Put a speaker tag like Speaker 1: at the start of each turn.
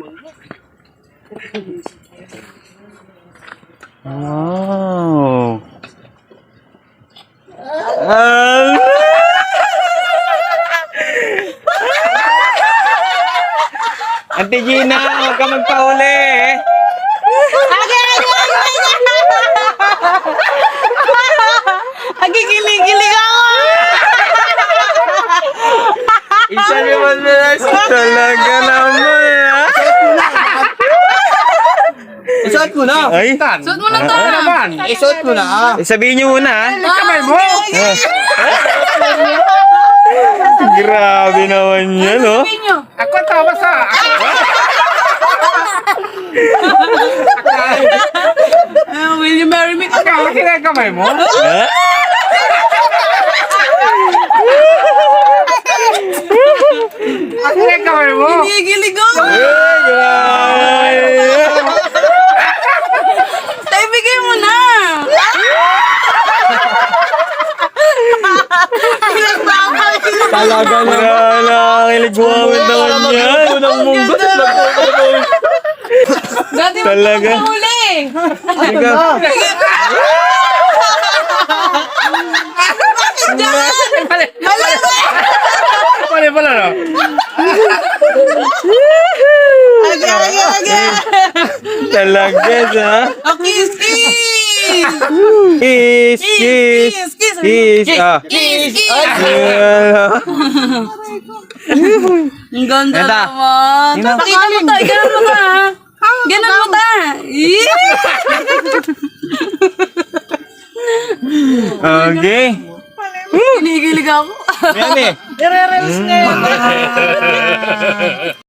Speaker 1: Wow. Ate Gina, huwag ka magpahuli eh.
Speaker 2: Nagigilig-gilig ako.
Speaker 1: Isa naman na talaga naman ah.
Speaker 3: Isuot mo na.
Speaker 1: Ay,
Speaker 2: Suot mo na to.
Speaker 3: Isuot mo na.
Speaker 1: sabihin niyo muna ah.
Speaker 3: Kamay mo.
Speaker 1: Grabe naman yan oh.
Speaker 2: Sabihin nyo.
Speaker 3: Ako tama sa.
Speaker 2: Will you marry me?
Speaker 3: Ikaw, kamay mo.
Speaker 1: Ha?
Speaker 3: Kamay mo.
Speaker 2: Nagigilig ako. Tay, bigay mo na.
Speaker 1: Talaga na. Nakakilig buwawin naman yan. Unang munggo.
Speaker 2: Dati mo
Speaker 1: Talaga.
Speaker 2: pa huli.
Speaker 1: Ikaw.
Speaker 3: Pala pala no.
Speaker 2: Aga.
Speaker 1: Talaga sa.
Speaker 2: Oh, kiss, kiss.
Speaker 1: Kiss, kiss. Kiss. Ah.
Speaker 2: Kiss, kiss. Ang ganda
Speaker 1: Ganda.
Speaker 2: naman.
Speaker 1: Tingnan.
Speaker 2: Pakita mo to. Ganon mo ta. Ganon mo ta.
Speaker 1: Okay.
Speaker 2: Kinikilig ako.
Speaker 1: Yan eh.
Speaker 3: Ire-reels na.